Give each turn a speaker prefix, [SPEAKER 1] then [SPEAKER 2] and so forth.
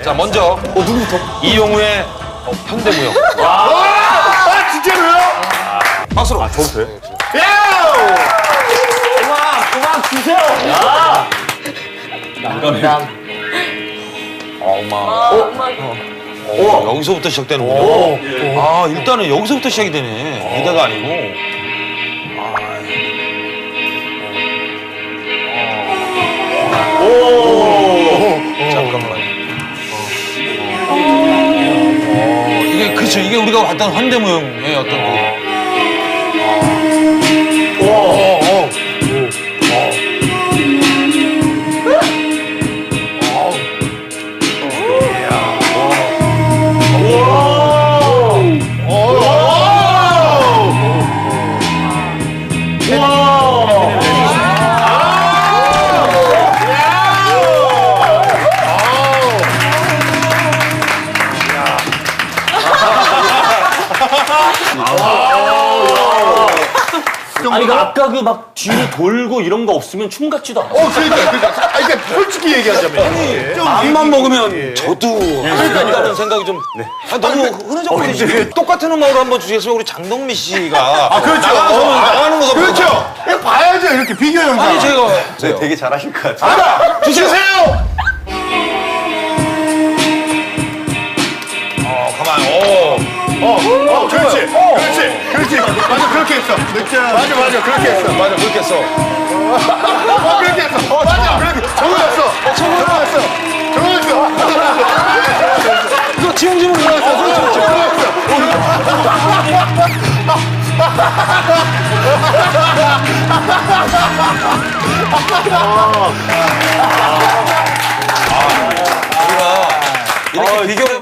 [SPEAKER 1] 자, 먼저
[SPEAKER 2] 누구부터?
[SPEAKER 1] 이용우의 현대무용.
[SPEAKER 3] 아, 진짜로요?
[SPEAKER 1] 박수로.
[SPEAKER 2] 저부터 돼?
[SPEAKER 3] 그만 주세요.
[SPEAKER 1] 여기서부터 시작되는군요. 아, 일단은 여기서부터 시작이 되네. 무대가 아니고. 잠깐만. 이게 그렇죠. 이게 우리가 봤던 현대무용의 어떤 그.
[SPEAKER 2] 아니, 아까 그 막 뒤로 돌고 이런 거 없으면 춤 같지도 않아.
[SPEAKER 3] 그러니까 솔직히 얘기하자면.
[SPEAKER 1] 맘만 먹으면 저도 한다는 생각이 좀 너무 흐느적거리지. 똑같은 음악으로 한번 주시겠으면 우리 장동민 씨가
[SPEAKER 3] 그렇죠.
[SPEAKER 1] 나가는 거다.
[SPEAKER 3] 그렇죠. 이거 봐야죠. 이렇게 비교 영상.
[SPEAKER 1] 아니 제가
[SPEAKER 2] 되게 잘하실 것 같아요.
[SPEAKER 3] 알아. 주세요.
[SPEAKER 1] 가만.
[SPEAKER 3] 그렇지. 그렇지. 맞아, 그렇게 했어. 맞아, 그렇게 했어.
[SPEAKER 1] 맞아 그렇게 했어.
[SPEAKER 3] 그렇게 했어. 맞아, 그렇게. 정했어. 정했어.
[SPEAKER 1] 이거 지웅지문 이렇게 비교를